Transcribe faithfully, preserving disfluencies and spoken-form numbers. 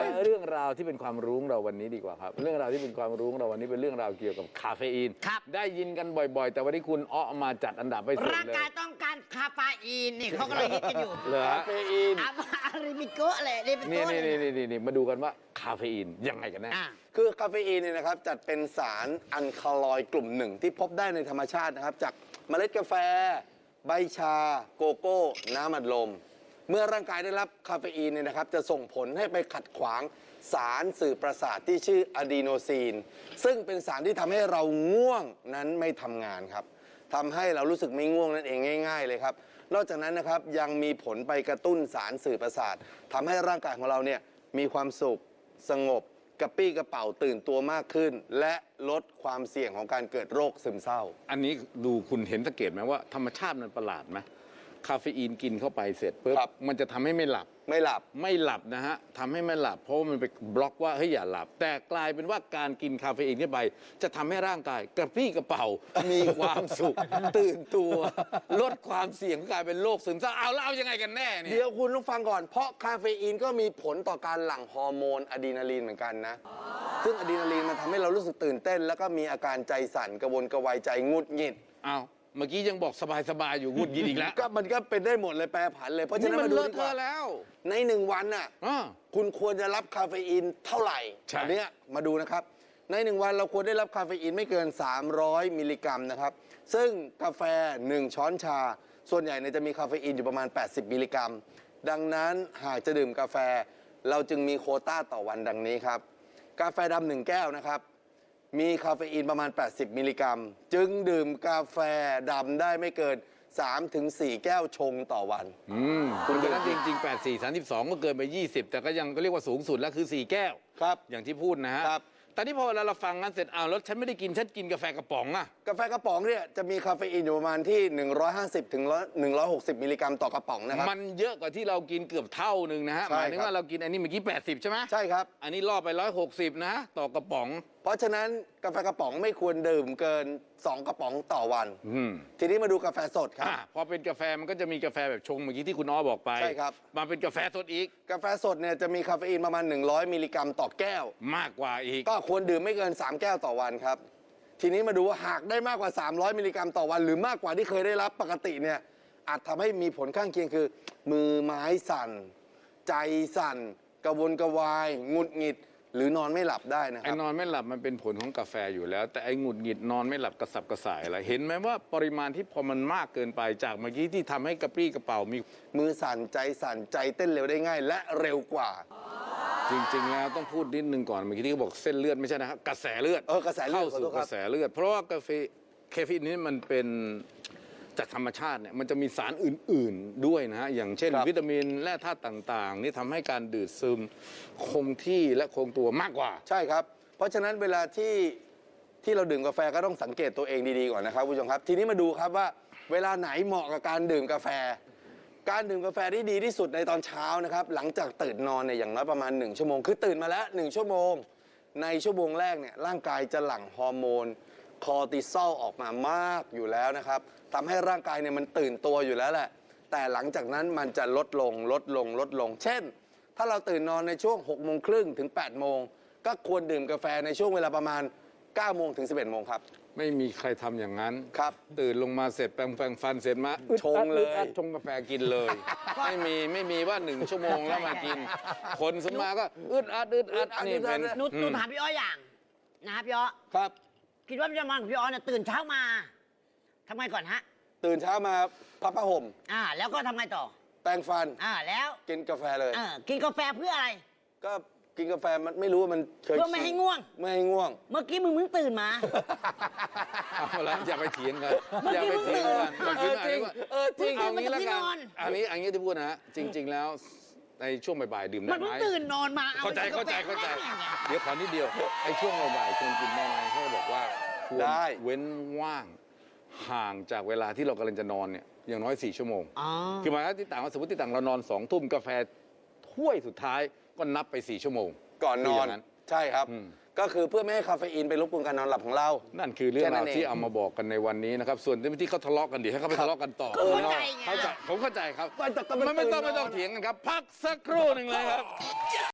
เรื่องราวที่เป็นความรู้เราวันนี้ดีกว่าครับเรื่องราวที่เป็นความรู้เราวันนี้เป็นเรื่องราวเกี่ยวกับคาเฟอีนได้ยินกันบ่อยๆแต่วันนี้คุณอ้อมาจัดอันดับไปสุดเลยร่างกายต้องการคาเฟอีนนี่เขาก็เลยฮิตกันอยู่คาเฟอีนอาริมิโกะเลยนี่เป็นต้นนี่นี่นี่มาดูกันว่าคาเฟอีนยังไงกันแน่คือคาเฟอีนเนี่ยนะครับจัดเป็นสารอัลคาลอยด์กลุ่มหนึ่งที่พบได้ในธรรมชาตินะครับจากเมล็ดกาแฟใบชาโกโก้น้ำอัดลมเมื่อร่างกายได้รับคาเฟอีนเนี่ยนะครับจะส่งผลให้ไปขัดขวางสารสื่อประสาทที่ชื่ออะดีโนซีนซึ่งเป็นสารที่ทำให้เราง่วงนั้นไม่ทำงานครับทำให้เรารู้สึกไม่ง่วงนั่นเองง่ายๆเลยครับนอกจากนั้นนะครับยังมีผลไปกระตุ้นสารสื่อประสาททำให้ร่างกายของเราเนี่ยมีความสุขสงบกระปี้กระเป๋าตื่นตัวมากขึ้นและลดความเสี่ยงของการเกิดโรคซึมเศร้าอันนี้ดูคุณเห็นสังเกตไหมว่าธรรมชาติมันประหลาดไหมคาเฟอีนกินเข้าไปเสร็จปุ๊บมันจะทำให้ไม่หลับไม่หลับไม่หลับนะฮะทำให้ไม่หลับเพราะมันไปบล็อกว่าเฮ้ยอย่าหลับแต่กลายเป็นว่าการกินคาเฟอีนเข้าไปจะทำให้ร่างกายกระปรี้กระเป๋ามีความสุขตื่นตัวลดความเสี่ยงกลายเป็นโรคซึมเศร้าเอาแล้วเอายังไงกันแน่เนี่ยเดี๋ยวคุณต้องฟังก่อนเพราะคาเฟอีนก็มีผลต่อการหลั่งฮอร์โมนอะดรีนาลีนเหมือนกันนะซึ่งอะดรีนาลีนมันทำให้เรารู้สึกตื่นเต้นแล้วก็มีอาการใจสั่นกระวนกระวายใจงุดหงิดเอาเมื่อกี้ยังบอกสบายๆอยู่งุดหงิดอีกแล้วก็มันก็เป็นได้หมดเลยแปรผันเลยเพราะฉะนั้นมาดูดีกว่าแล้วในหนึ่งวันน่ะคุณควรจะรับคาเฟอีนเท่าไหร่อันนี้มาดูนะครับในหนึ่งวันเราควรได้รับคาเฟอีนไม่เกินสามร้อยมิลลิกรัมนะครับซึ่งกาแฟหนึ่งช้อนชาส่วนใหญ่เนี่ยจะมีคาเฟอีนอยู่ประมาณแปดสิบมิลลิกรัมดังนั้นหากจะดื่มกาแฟเราจึงมีโควต้าต่อวันดังนี้ครับกาแฟดำหนึ่งแก้วนะครับมีคาเฟอีนประมาณแปดสิบมิลลิกรัมจึงดื่มกาแฟดำได้ไม่เกิน สามถึงสี่ แก้วชงต่อวันอืมคุณก็นั้นจริงๆแปด สี่ สามสิบสองก็เกินไปยี่สิบแต่ก็ยังก็เรียกว่าสูงสุดแล้วคือสี่แก้วครับอย่างที่พูดนะฮะครับแต่ที่พอเวลาเราฟังกันเสร็จอ้าวแล้วฉันไม่ได้กินฉันกินกาแฟกระป๋องอะกาแฟกระป๋องเนี่ยจะมีคาเฟอีนอยู่ประมาณที่หนึ่งร้อยห้าสิบถึงหนึ่งร้อยหกสิบมิลลิกรัมต่อกระป๋องนะครับมันเยอะกว่าที่เรากินเกือบเท่านึงนะฮะหมายถึงว่าเรากินอันนี้เมื่อกี้แปดสิบใช่ไหมใช่ครับอันนี้ล่อไปหนึ่งร้อยหกสิบนะต่อกระป๋องเพราะฉะนั้นกาแฟกระป๋องไม่ควรดื่มเกินสองกระป๋องต่อวันทีนี้มาดูกาแฟสดครับพอเป็นกาแฟมันก็จะมีกาแฟแบบชงเมื่อกี้ที่คุณอ้อบอกไปใช่ครับมาเป็นกาแฟสดอีกกาแฟสดเนี่ยจะมีคาเฟอีนประมาณหนึ่งร้อยมิลลิกรัมต่อแก้วมากกว่าอีกก็ควรดื่มไม่เกินสามแก้วต่อวันครับทีนี้มาดูว่าหากได้มากกว่าสามร้อยมิลลิกรัมต่อวันหรือมากกว่าที่เคยได้รับปกติเนี่ยอาจทำให้มีผลข้างเคียงคือมือไม้สั่นใจสั่นกระวนกระวายหงุดหงิดหรือนอนไม่หลับได้นะครับไอ้นอนไม่หลับมันเป็นผลของกาแฟอยู่แล้วแต่ไอ้หงุดหงิดนอนไม่หลับกระสับกระส่ายอะไรเห็นไหมว่าปริมาณที่พอมันมากเกินไปจากเมื่อกี้ที่ทำให้กระปรี้กระเป๋ามีมือสั่นใจสั่นใจเต้นเร็วได้ง่ายและเร็วกว่าจริงๆแล้วต้องพูดนิดนึงก่อนเมื่อกี้ที่เขาบอกเส้นเลือดไม่ใช่นะครับกระแสเลือดเออกระแสเลือดเข้าสู่กระแสเลือดเพราะว่ากาแฟคาเฟอีนนี้มันเป็นจากธรรมชาติเนี่ยมันจะมีสารอื่นๆด้วยนะฮะอย่างเช่นวิตามินแร่ธาตุต่างๆนี่ทำให้การดูดซึมคงที่และคงตัวมากกว่าใช่ครับเพราะฉะนั้นเวลาที่ที่เราดื่มกาแฟก็ต้องสังเกตตัวเองดีๆก่อนนะครับผู้ชมครับทีนี้มาดูครับว่าเวลาไหนเหมาะกับการดื่มกาแฟการดื่มกาแฟที่ดีที่สุดในตอนเช้านะครับหลังจากตื่นนอนเนี่ยอย่างน้อยประมาณหนึ่งชั่วโมงคือตื่นมาแล้วหนึ่งชั่วโมงในชั่วโมงแรกเนี่ยร่างกายจะหลั่งฮอร์โมนคอร์ติซอลออกมามากอยู่แล้วนะครับทำให้ร่างกายเนี่ยมันตื่นตัวอยู่แล้วแหละแต่หลังจากนั้นมันจะลดลงลดลงลดลงเช่นถ้าเราตื่นนอนในช่วงหกโมงครึ่งถึงแปดโมงก็ควรดื่มกาแฟในช่วงเวลาประมาณเก้าโมงถึงสิบเอ็ดโมงครับไม่มีใครทำอย่างนั้นครับตื่นลงมาเสร็จแปรงแปรงฟันเสร็จมาชงเลยชงกาแฟกินเลยไม่มีไม่มีว่าหนึ่งชั่วโมงแล้วมากินคนสมาก็อึดอัดอึดอัดนี่เป็นนุชนุชถามพี่อ้ออย่างนะครับพี่อ้อครับคิดว่าพี่อ้อของพี่อ้อเนี่ยตื่นเช้ามาทำไงก่อนฮะตื่นเช้ามาพับผ้าห่มอ่าแล้วก็ทำไงต่อแปรงฟันอ่าแล้วกินกาแฟเลยอ่ากินกาแฟเพื่ออะไรก็กินกาแฟมันไม่รู้ว่ามันเพื่อไม่ให้ง่วงไม่ให้ง่วงเมื่อกี้มึงมึงตื่นมาเอาละอย่าไปเถียงกันอย่าไปเถียงกันเออจริงเออจริงเอางี้แล้วกันอันนี้อันนี้ที่พูดนะจริงๆแล้วในช่วงบ่ายๆดื่มได้ไหมมันเพิ่งตื่นนอนมาเข้าใจเข้าใจเข้าใจเดี๋ยวขอนิดเดียวไอ้ช่วงบ่ายๆควรกินได้ไหมเขาบอกว่าควรเว้นว่างห่างจากเวลาที่เรากำลังจะนอนเนี่ยอย่างน้อยสี่ชั่วโมงคือหมายถึงที่ต่างสมมติที่ต่างเรานอนสองทุ่มกาแฟถ้วยสุดท้ายก็นับไปสี่ชั่วโมงก่อนนอนใช่ครับก็คือเพื่อไม่ให้คาเฟอีนไปรบกวนการนอนหลับของเรานั่นคือเรื่องราวที่เอามาบอกกันในวันนี้นะครับส่วนที่เขาทะเลาะกันเดี๋ยวให้เขาไปทะเลาะกันต่อเข้าใจเข้าใจผมเข้าใจครับไม่ไม่ต้องไม่ต้องเถียงกันครับพักสักครู่หนึ่งเลยครับ